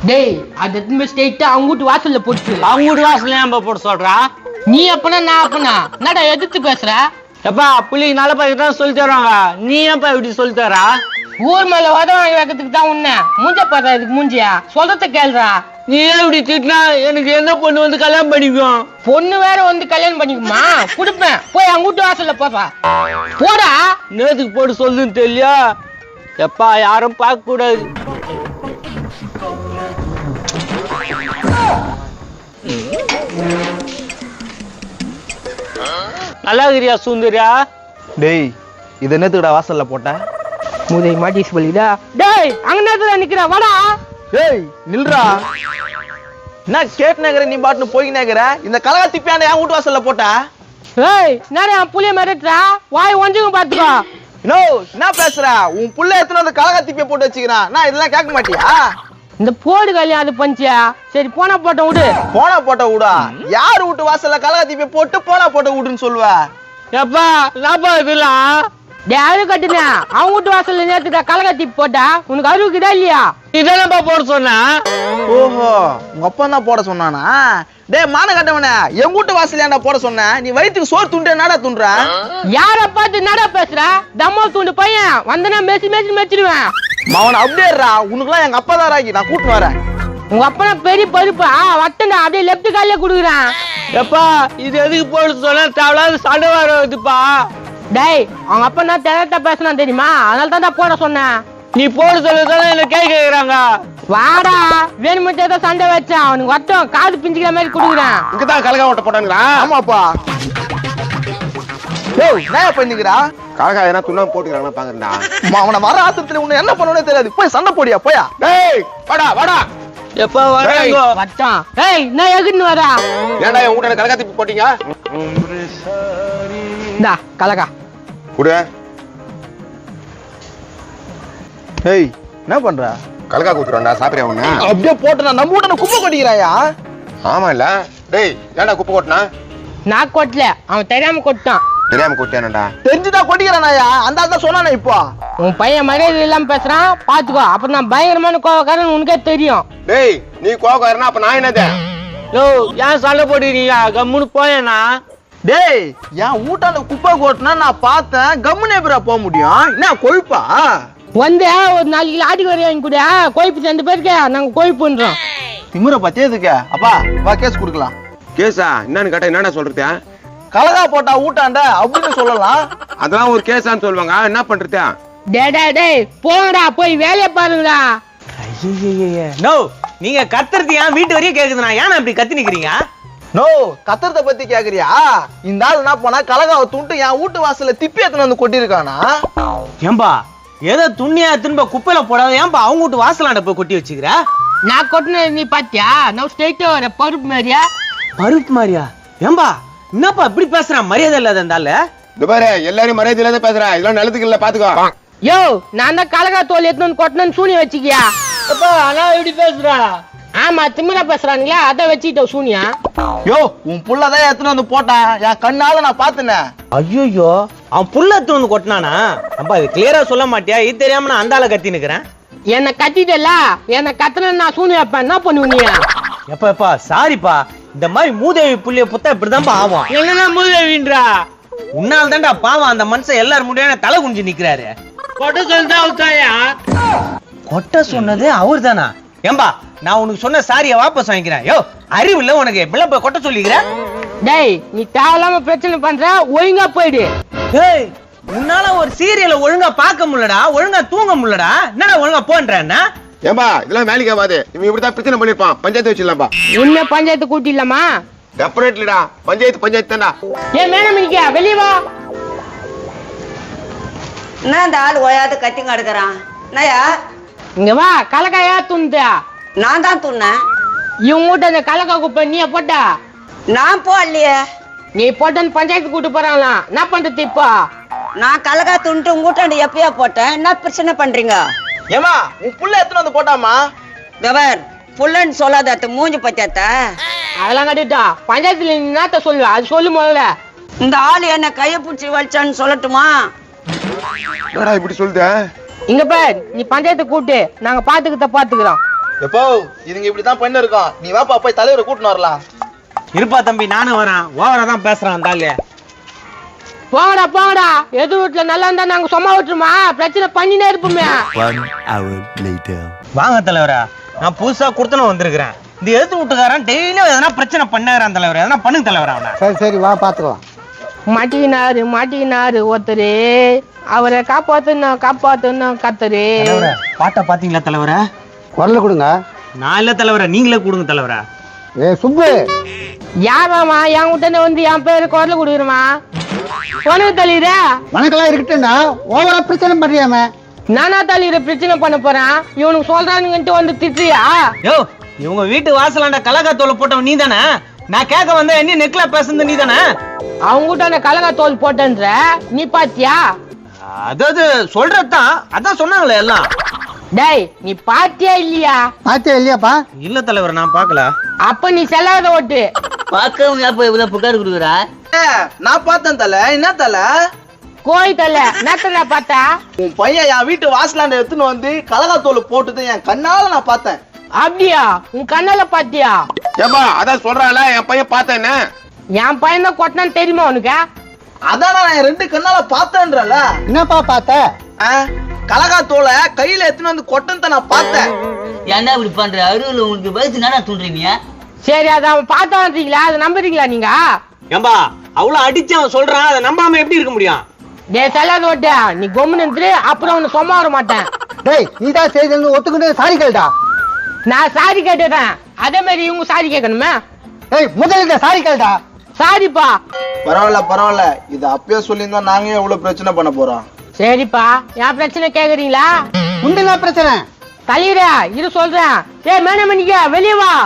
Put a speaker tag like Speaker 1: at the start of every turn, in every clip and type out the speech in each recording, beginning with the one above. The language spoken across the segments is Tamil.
Speaker 1: டேய் அது திரும்ப ஸ்ட்ரெயிட்டா அவங்க வீட்டு வாசல்ல போட்டு.
Speaker 2: அவங்க வீட்டு வாசல்ல ஏன் போட்டு சொல்றா?
Speaker 1: நீ அப்பனா நான் அப்பனா என்னடா எதிர்த்து பேசுற?
Speaker 2: எப்பா புள்ளிக்கு நல்ல பையன் தான் சொல்லி தருவாங்க, நீ ஏன்ப்பா இப்படி சொல்லி தரா?
Speaker 1: ஊர் மேல உத வாங்கி வைக்கிறதுக்கு தான் உன்ன மூஞ்ச பாத்தா இதுக்கு மூஞ்சியா சொல்றத கேளுடா.
Speaker 2: நீ ஏன் இப்படி திட்டினா எனக்கு எந்த பொண்ணு வந்து கல்யாணம் பண்ணிக்கும்?
Speaker 1: பொண்ணு வேற வந்து கல்யாணம் பண்ணிக்குமா? குடுப்பேன் போய் அவங்க வீட்டு வாசல்ல போப்பா போடா.
Speaker 2: நேத்துக்கு போட்டு சொல்லுன்னு தெரியலையா? எப்பா யாரும் பார்க்க கூடாது. நல்லா இருக்கிறியா சுந்தரியா?
Speaker 3: டேய் இது என்னத்துக்குடா வாசல்ல போட்ட?
Speaker 1: மூதை மாட்டி சொல்லிடா. டேய் அங்க நேரத்துல நிக்கிற வாடா.
Speaker 3: டேய் நில்றா. என்ன கேட் நகர நீ பாட்டுன்னு போய் நகர இந்த கலகா திப்பியான என் வீட்டு வாசல்ல போட்ட?
Speaker 1: ஏய் நிறைய புளிய மிரட்டுறா வாய் ஒஞ்சுங்க பாத்துக்கோ.
Speaker 3: நோ என்ன பேசுற? உன் புள்ள எத்தனை வந்து கலகா திப்பிய போட்டு வச்சுக்கிறான், நான் இதெல்லாம் கேட்க மாட்டியா?
Speaker 1: இந்த போடு கல்யாணம் அது பஞ்சியா. சரி போனா போட்ட விடு.
Speaker 3: போனா போட்ட விடா? யாரு வீட்டு வாசல்ல கலகா திப்பிய போட்டு போனா போட்ட விடுன்னு சொல்லுவ?
Speaker 2: எப்பா நாப்பா இதெல்லாம்
Speaker 1: டேய் அரு கட்டுனா அவங்க வீட்டு வாசல்ல நேத்துடா கலகத்தி போட்டா உனக்கு அருவுக்குதா இல்லையா?
Speaker 2: இதெல்லாம் போட சொன்னா?
Speaker 3: ஓஹோ உங்க அப்பா தான் போட சொன்னானா? டேய் மான கட்டவனே என் வீட்டு வாசல்ல ஏன்டா போட சொன்ன? நீ வயிற்றுக்கு சோறு துண்டு என்னடா துண்டுற?
Speaker 1: யார பார்த்து என்னடா பேசுற? தம்மா துண்டு பையன் வந்தனா மெசி மெசி மெச்சிடுவேன்.
Speaker 3: அவன் அப்படியேறா, உனக்குலாம் எங்க அப்பா தான் ராக்கி, நான் கூட்டின்னு வரேன்.
Speaker 1: உங்க அப்பா பெரிய பருப்பா வட்டண்டா அப்படியே லெப்ட் காலில குடுக்குறான்.
Speaker 2: எப்பா இது எதுக்கு போட சொன்னா தேவையில்லாத சண்டை வருதுப்பா.
Speaker 1: டேய் அவங்க அப்பா நான் தெளிவா பேசினா தெரியுமா? அதனால தான் போட சொன்னேன்.
Speaker 2: நீ போட சொல்லதானே என்ன கேக்குறாங்க.
Speaker 1: வாடா வேணுமெட்டே தான் சண்டை வச்சான் அவனுக்கு வட்டம் காது பிஞ்சுக்கிற மாதிரி குடுக்குறான்.
Speaker 4: இங்கதான் கலகா ஓட்ட போட்டாங்களா?
Speaker 3: ஆமாப்பா. டேய் என்ன பண்ணிக்கிறா?
Speaker 4: கலகா எதனா துண்ணா போட்டுக்கிறாங்களா பாக்குறா.
Speaker 3: அவனை வர ஆத்திரத்துல உன்னை என்ன பண்ணணும்னே தெரியாது, போய் சண்டை போடியா போயா.
Speaker 4: டேய் வாடா வாடா.
Speaker 2: எப்பா வராங்க
Speaker 1: வட்டம். ஏய் நான் எகுன்னு வரா.
Speaker 4: ஏன்டா என் வீட்டான கலகா திப்பி போட்டீங்க?
Speaker 1: இந்தா கலகா
Speaker 4: குடு.
Speaker 3: டேய் என்ன பண்ற?
Speaker 4: கலகா குத்துறான்டா, சாப்பிடுறியா ஒண்ணு?
Speaker 3: அப்படியே போட்டு நான் நம்ம வீட்டான குப்பை கொட்டிக்கிறாயா?
Speaker 4: ஆமா இல்ல. டேய் ஏன்டா குப்பை கொட்டினா?
Speaker 1: நான் கொட்டல அவன் தெரியாம கொட்டான்.
Speaker 4: தெரியாம கொட்டியானடா?
Speaker 3: தெரிஞ்சுதான் கொட்டிக்கிறானாயா? அந்த ஆள் தான் சொன்னானே இப்போ.
Speaker 1: உன் பையன் மரியாதை இல்லாம பேசுறான் பாத்துக்கோ, அப்ப நான் பயங்கரமான கோவக்காரன் உனக்கே தெரியும்.
Speaker 4: டேய் நீ கோவக்காரனா அப்ப நான் என்னது?
Speaker 2: யோ ஏன் சண்டை போடுறீங்க? கம்முன்னு போயேண்ணா.
Speaker 3: டேய் என் வீட்டான குப்பை கொட்டினா நான் பார்த்தேன், கம்முனே எப்படா போக முடியும்? என்ன கொழுப்பா?
Speaker 1: வந்து ஒரு 4 கிலோ ஆடி வரையும் வாங்கி கூட கோயிப்பு 2 பேருக்கு நாங்க கோயிப்புன்றோம்.
Speaker 3: திமுற பத்தியதுக்கு அப்பா வா கேஸ் கொடுக்கலாம்.
Speaker 4: கேஸா? என்னன்னு கேட்டா என்னடா சொல்றது?
Speaker 3: கலகா போட்டா ஊட்டாண்ட அப்படின்னு சொல்லலாம்.
Speaker 4: அதெல்லாம் ஒரு கேஸான்னு சொல்லுவாங்க, என்ன பண்றது?
Speaker 1: டேய் போங்கடா போய் வேலையை பாருங்கடா.
Speaker 2: நோ நீங்க கத்துறது ஏன் வீட்டு வரையும் கேக்குதுண்ணா, ஏன் இப்படி கத்தி நிக்கிறீங்க?
Speaker 3: நோ கத்துறத பத்தி கேக்குறியா? இந்த ஆள் என்ன பண்ணா கலகாவை துண்டு என் வீட்டு வாசல்ல திப்பி எத்தனை வந்து கொட்டிருக்கானா?
Speaker 2: ஏம்பா ஏதோ துணியா திரும்ப குப்பையில போடாத ஏன்பா அவங்க வீட்டு வாசலாண்ட போய் கொட்டி வச்சுக்கிற?
Speaker 1: நான் கொட்டின நீ பாத்தியா? நான் ஸ்ட்ரெயிட்டா வர பருப்பு மாதிரியா?
Speaker 2: பருப்பு மாதிரியா? ஏம்பா என்னப்பா இப்படி பேசுறான், மரியாதை இல்லாத இருந்தால?
Speaker 4: இது பாரு எல்லாரும் மரியாதை இல்லாத பேசுறா, இதெல்லாம் நிலத்துக்கு இல்ல பாத்துக்கோ.
Speaker 1: யோ நான் தான் கலகா தோல் எத்தனை கொட்டினு சூனிய வச்சுக்கியா?
Speaker 2: ஆனா இப்படி பேசுறா?
Speaker 1: ஆமா திமிரா பேசுறானுங்களா, அதை வச்சுக்கிட்ட சூனியா.
Speaker 3: யோ உன் புள்ளதான் எத்தனை வந்து போட்டான், என் கண்ணால நான் பாத்துனேன்.
Speaker 2: ஐயோ அவன் புள்ள எடுத்து வந்து கொட்டினானா? அப்பா இது கிளியரா சொல்ல மாட்டியா? இது தெரியாம நான் அந்த ஆளை கத்தி நிக்கிறேன்.
Speaker 1: என்ன கத்திட்டல, என்ன கத்துன நான் சூனிய வைப்பேன், என்ன பண்ணுவீங்க?
Speaker 2: எப்பா சாரிப்பா, இந்த மாதிரி மூதேவி புள்ளிய புத்தா இப்படிதான்ப்பா ஆகும். என்னன்னா மூதேவின்றா? உன்னால தான்டா பாவம் அந்த மனுஷன் எல்லாரும் முடியாம தலை குனிஞ்சு நிக்கிறாரு. கொட்ட சொன்னதா அவர்தாயா? கொட்ட சொன்னது அவர் தானா? ஏம்பா நான் உனக்கு சொன்ன சாரிய வாபஸ் வாங்கிக்கிறேன். யோ அறிவு இல்ல உனக்கு, இப்பெல்லாம் போய் கொட்ட சொல்லிக்கிற?
Speaker 1: டேய் நீ தேவையில்லாம பிரச்சனை பண்ற, ஒழுங்கா போயிடு.
Speaker 2: டேய் உன்னால ஒரு சீரியலை ஒழுங்கா பார்க்க முடியலடா, ஒழுங்கா தூங்க முடியலடா, என்னடா ஒழுங்கா போன்றேன்னா?
Speaker 4: ஏம்பா இதெல்லாம் வேலைக்கு ஆகாது, இவன் இப்படிதான் பிரச்சனை பண்ணிருப்பான், பஞ்சாயத்து வச்சிடலாம்பா.
Speaker 1: இன்னும் பஞ்சாயத்து கூட்டிடலாமா?
Speaker 4: டெஃபினெட்லிடா, பஞ்சாயத்து தான்டா.
Speaker 1: ஏன் மேடம் மினிக்கா வெளியே வா.
Speaker 5: என்ன இந்த ஆள் ஓயாது கத்திங்க அடுக்கிறான்? என்னயா
Speaker 1: இங்க வா. கலக்காயா துண்டா?
Speaker 5: நான் தான் துண்ணேன்.
Speaker 1: இவங்க வீட்டு அந்த கலக்கா குப்பை நீ போட்டா?
Speaker 5: நான் போடலையே.
Speaker 1: நீ போட்டன்னு பஞ்சாயத்து கூட்டு போறாங்களாம், என்ன பண்றது இப்போ?
Speaker 5: நான் கலகா துண்டு உங்கூட்டாண்டு எப்பயா போட்டேன், என்ன பிரச்சனை பண்றீங்க?
Speaker 3: ஏமா உன் புள்ள எத்தனை வந்து போட்டாமா?
Speaker 5: கவர் புள்ளன்னு சொல்லாத மூஞ்சி பத்தியாத்த.
Speaker 1: அதெல்லாம் கட்டிட்டா பஞ்சாயத்துல நீ என்னத்த சொல்லுவ, அது சொல்லு முதல்ல.
Speaker 5: இந்த ஆள் என்ன கைய பிடிச்சி வலிச்சான்னு சொல்லட்டுமா?
Speaker 4: என்னடா இப்படி சொல்லுத?
Speaker 1: இங்க பார், நீ பஞ்சாயத்து கூட்டு நாங்க பாத்துக்கிறோம்.
Speaker 3: எப்போ இதுங்க இப்படிதான் பண்ணி இருக்கோம். நீ வாப்பா போய் தலைவரை கூட்டின்னு வரலாம்.
Speaker 2: இருப்பா தம்பி, நானும் வரேன். ஓவரா தான் பேசுறான் அந்த ஆளு.
Speaker 1: போங்கடா போங்கடா, எது வீட்டுல நல்லா இருந்தா நாங்க சும்மா விட்டுருமா? பிரச்சனை பண்ணினே இருப்போமே.
Speaker 2: வாங்க தலைவரா, நான் புதுசா குடுத்தன வந்திருக்கிறேன். இந்த எழுத்து வீட்டுக்காரன் டெய்லியும் எதனா பிரச்சனை பண்ணாரான் தலைவர். எதனா பண்ணுங்க தலைவர் அவனை.
Speaker 6: சரி சரி வா பாத்துக்கலாம்.
Speaker 1: மாட்டிக்கினாரு ஒருத்தரு, அவரை காப்பாத்தணும் கத்தரு.
Speaker 2: பாட்டை பாத்தீங்களா தலைவரா?
Speaker 6: குரல கொடுங்க.
Speaker 2: நான் இல்ல தலைவரா, நீங்களே கொடுங்க தலைவரா.
Speaker 6: ஏ சுப்பு,
Speaker 1: யாராமா என் கிட்ட வந்து என் பேரு குரல் கொடுக்குறமா? உனக்கு தள்ளிடுற
Speaker 6: வணக்கெல்லாம் இருக்கட்டும்டா, ஓவரா பிரச்சனை பண்றியாம.
Speaker 1: நானா தள்ளிடுற பிரச்சனை பண்ண போறேன்? இவனுக்கு சொல்றானுங்கன்ட்டு வந்து திட்டுறியா?
Speaker 2: யோ, இவங்க வீட்டு வாசலாண்ட கலகாத்தோலை போட்டவன் நீ தானே? நான் கேட்க வந்த என்ன நெக்ல பேசுறது நீ தானே?
Speaker 1: அவங்க கிட்ட கலகா தோல் போட்டன்ற நீ பாத்தியா?
Speaker 2: அதாவது சொல்றதுதான், அதான் சொன்னாங்களே எல்லாம்.
Speaker 1: டேய், நீ பாத்தியா இல்லையா?
Speaker 6: பாத்தியா இல்லையாப்பா?
Speaker 2: இல்ல தலைவர், நான் பாக்கல.
Speaker 1: அப்ப நீ செல்லாத ஓட்டு.
Speaker 5: பாக்கவும் அப்ப இவ்வளவு புகார் கொடுக்குறா?
Speaker 3: நான் பார்த்தேன் தல. என்ன தல?
Speaker 1: கோய் தல நேத்தல பார்த்தா?
Speaker 3: உன் பையன் என் வீட்டு வாசலாண்ட எடுத்துன்னு வந்து கலகாத்தோல் போட்டுது என் கண்ணால நான் பார்த்தேன்.
Speaker 1: அப்படியா? உன் கண்ணால பாத்தியா?
Speaker 4: ஏப்பா அதான் சொல்றான்ல என் பையன் பார்த்தேன்னு.
Speaker 1: என் பையன் தான் கொட்டினான்னு தெரியுமா உனக்கு?
Speaker 3: அதான் நான் என் 2 கண்ணால பார்த்தேன்றல.
Speaker 6: என்னப்பா பார்த்த?
Speaker 3: கலகாத்தோல கையில எடுத்துன்னு வந்து கொட்டத்தை நான் பார்த்தேன்.
Speaker 5: ஏன்டா இப்படி பண்ற? அருள் உங்களுக்கு வயசு என்னடா தூண்டுறீங்க?
Speaker 1: சரி, அதை அவன் பார்த்தான்றீங்களா? அதை நம்புறீங்களா நீங்க?
Speaker 2: ஏம்பா அவ்வளவு அடிச்சு அவன் சொல்றான், அதை நம்பாம எப்படி இருக்க முடியும்?
Speaker 1: டே செல்லாத ஓட்டு, நீ கொம்முன்னு இருந்து அப்புறம் உன்னை சும்மா வர மாட்டேன்.
Speaker 6: டேய் நீதான் செய்து ஒத்துக்கிட்டு சாரி கேளுடா.
Speaker 1: நான் சாரி கேட்டுறேன், அதே மாதிரி இவங்க சாரி கேட்கணுமே.
Speaker 6: டேய் முதல்ல சாரி கேளுடா.
Speaker 1: சாரிப்பா.
Speaker 3: பரவாயில்ல, இது அப்பயே சொல்லியிருந்தா நாங்க எவ்வளவு பிரச்சனை பண்ண போறோம். சரிப்பா,
Speaker 1: என் பிரச்சனை கேக்குறீங்களா?
Speaker 6: உண்டா பிரச்சனை?
Speaker 1: தலைவரா இரு சொல்றேன். மேனமணிக்க வெளியே வா.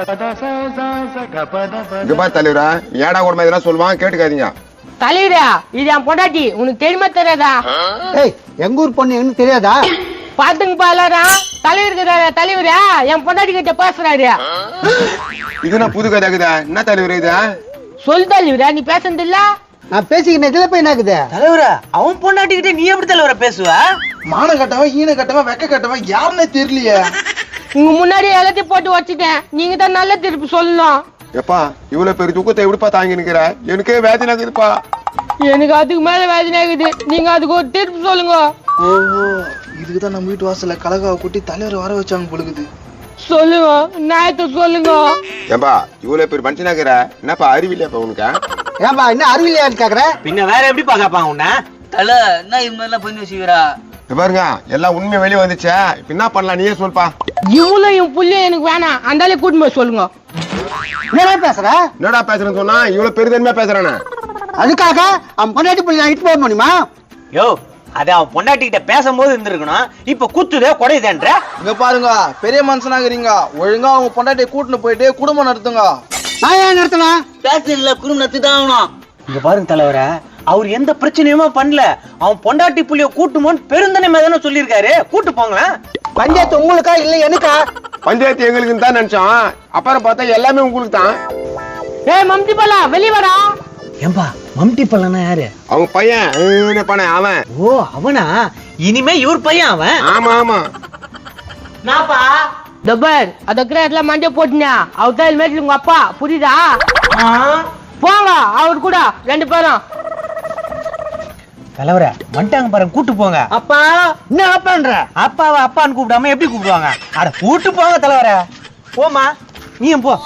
Speaker 4: இங்க பாரு தலைவரா, ஏடா கூடமா இதெல்லாம் சொல்லுவான், கேட்டுக்காதீங்க.
Speaker 1: தலைவரா இது என் பொண்டாட்டி, உனக்கு தெரியுமா தெரியாதா?
Speaker 6: டேய் எங்க ஊர் பொண்ணு என்ன தெரியாதா?
Speaker 1: பாத்துங்கப்பா எல்லாரும். தலைவரா என் பொண்டாட்டி கிட்ட பேசுறாரு.
Speaker 4: இது நான் புது கதை இருக்குதா? என்ன தலைவர் இது?
Speaker 1: சொல் தலைவரா, நீ பேசுறது இல்ல?
Speaker 6: நான் பேசிக்கிட்டு இதுல போய் என்னாக்குது?
Speaker 2: தலைவரா, அவன் பொண்டாட்டிக்கிட்டே நீ எப்படி தலைவரை பேசுவ?
Speaker 3: மான கட்டவன் ஈன கட்டவன் வெக்க கட்டவன் யாருன்னே தெரியலையே.
Speaker 1: உங்க முன்னாடி எல்லாத்தையும் போட்டு வச்சுட்டேன், நீங்க தான் நல்ல திருப்பி சொல்லணும்.
Speaker 4: எப்பா இவ்வளவு பெரிய துக்கத்தை எப்படிப்பா தாங்கி நிக்கிற? எனக்கே வேதனை இருக்குதுப்பா.
Speaker 1: எனக்கு அதுக்கு மேல வேதனை ஆகுது, நீங்க அதுக்கு ஒரு திருப்பி சொல்லுங்க.
Speaker 3: ஓஹோ, இதுக்குதான் நம்ம வீட்டு வாசல்ல கலகாவை கூட்டி தலைவர் வர வச்சாங்க பொழுது.
Speaker 1: சொல்லுங்க, நியாயத்தை சொல்லுங்க.
Speaker 4: ஏன்பா இவ்வளவு பெரிய மனுஷனாக்குற, என்னப்பா அறிவில்லையாப்பா உனக்கு?
Speaker 6: ஏன்பா என்ன அறிவில்லையான்னு கேக்குற?
Speaker 2: பின்ன வேற எப்படி பாக்காப்பாங்க உன்ன?
Speaker 5: தல என்ன இது மாதிரிலாம் பண்ணி வச்சுக்கிறா?
Speaker 4: பாருங்க எல்லாம் உண்மை வெளியே வந்துச்சே, இப்ப என்ன பண்ணலாம் நீயே சொல்ப்பா.
Speaker 1: இவ்வளவு என் புள்ளைய எனக்கு வேணாம், அந்தாலே கூட்டிட்டு போய் சொல்லுங்க.
Speaker 6: என்னடா பேசுற?
Speaker 4: என்னடா பேசுறேன்னு சொன்னா இவ்வளவு பெருதன்மையா பேசுறானே.
Speaker 6: அதுக்காக அவன் பொண்டாட்டி போய் நான் இட்டு போக முடியுமா?
Speaker 2: யோ, அது அவன் பொண்டாட்டி கிட்ட பேசும்போது இருந்திருக்கணும். இப்ப குத்துதே குடையுதேன்ற.
Speaker 3: இங்க பாருங்க, பெரிய மனுஷனாகிறீங்க, ஒழுங்கா அவங்க பொண்டாட்டியை கூட்டின்னு போயிட்டு குடும்பம் நடத்துங்க.
Speaker 6: நான் ஏன் நடத்தணும்?
Speaker 5: பேசுறதுல குடும்பம் நடத்தி தான் ஆகணும்.
Speaker 2: இங்க பாருங்க தலைவர, அவர் எந்த பிரச்சனையுமே பண்ணல. அவன் பொண்டாட்டி புள்ளிய கூட்டுமோன்னு பெருந்தனைமே தானே சொல்லியிருக்காரு. கூட்டு போங்களேன்.
Speaker 6: பஞ்சாயத்து உங்களுக்கா இல்ல எனக்கா?
Speaker 4: பஞ்சாயத்து எங்களுக்கு தான் நினைச்சோம், அப்புறம் பார்த்தா எல்லாமே உங்களுக்கு தான்.
Speaker 1: ஏய் மம்டி பலா வெளிய வாடா.
Speaker 2: ஏம்பா மம்டி பல்லனா யாரு?
Speaker 4: அவங்க பையன் பண்ண அவன்.
Speaker 2: ஓ அவனா? இனிமே இவர் பையன் அவன்.
Speaker 4: ஆமா ஆமா.
Speaker 1: நாப்பா தபர் அத கிரேட்ல மண்டே போட்டுனா அவதால் மேட்ல உங்க அப்பா புரியுதா? போங்க அவர் கூட 2 பேரும்.
Speaker 2: தலைவர வந்துட்டாங்க பாருங்க, கூட்டு போங்க.
Speaker 6: அப்பா என்ன அப்பான்ற?
Speaker 2: அப்பாவை அப்பான்னு கூப்பிடாம எப்படி கூப்பிடுவாங்க? அட கூட்டு போங்க தலைவர. போமா நீயும் போ.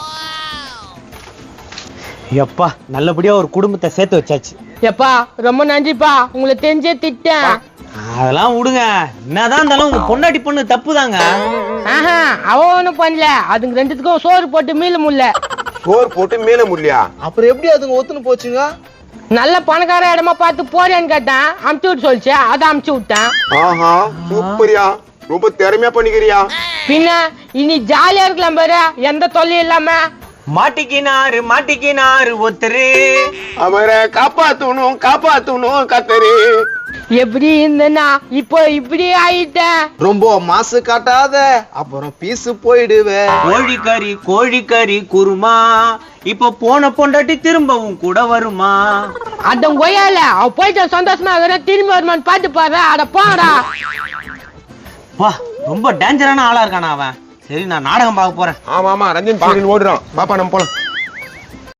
Speaker 2: எப்பா நல்லபடியா ஒரு குடும்பத்தை சேர்த்து வச்சாச்சு.
Speaker 1: எப்பா ரொம்ப நன்றிப்பா, உங்களை தெரிஞ்சே திட்டேன்.
Speaker 2: அதெல்லாம் விடுங்க, என்னதான் இருந்தாலும் உங்க பொண்டாட்டி பொண்ணு தப்புதாங்க.
Speaker 1: ஆஹா அவன் ஒண்ணும் பண்ணல, அதுங்க 2த்துக்கும் சோறு போட்டு மீள முடியல.
Speaker 4: சோறு போட்டு மேல முடியலையா?
Speaker 3: அப்புறம் எப்படி அதுங்க ஒத்துன்னு போச்சுங்க?
Speaker 1: நல்ல பணக்கார இடமா பார்த்து போறியான்னு கேட்டேன், அமுச்சு விட்டு சொல்லிச்சு, அதை அமுச்சு விட்டேன்.
Speaker 4: ஆஹா சூப்பரியா, ரொம்ப திறமையா பண்ணிக்கிறியா.
Speaker 1: பின்ன இனி ஜாலியா இருக்கலாம் பாரு, எந்த தொல்லையும் இல்லாம.
Speaker 2: மாட்டிக்கினாரு ஒருத்தரு,
Speaker 4: அவரை காப்பாத்தணும் கத்தரு.
Speaker 1: எப்படி இருந்தனா இப்போ இப்படி ஆயிட்டேன்.
Speaker 3: ரொம்ப மாசு காட்டாத, அப்புறம் பீசு போயிடுவே.
Speaker 2: கோழிக்கறி குருமா, இப்ப போன பொண்டாட்டி திரும்பவும் கூட வருமா?
Speaker 1: அடம் கொய்யால அவ போயிட்ட சந்தோஷமா திரும்பி வருமான்னு பாத்து பாரு. அட போடா.
Speaker 2: வா ரொம்ப டேஞ்சரான ஆளா இருக்கானா அவன். சரி நான் நாடகம் பார்க்க போறேன்.
Speaker 4: ஆமா ஆமா ரஞ்சன் சீரியல் ஓடுறோம் பாப்பா நம்ம போலாம்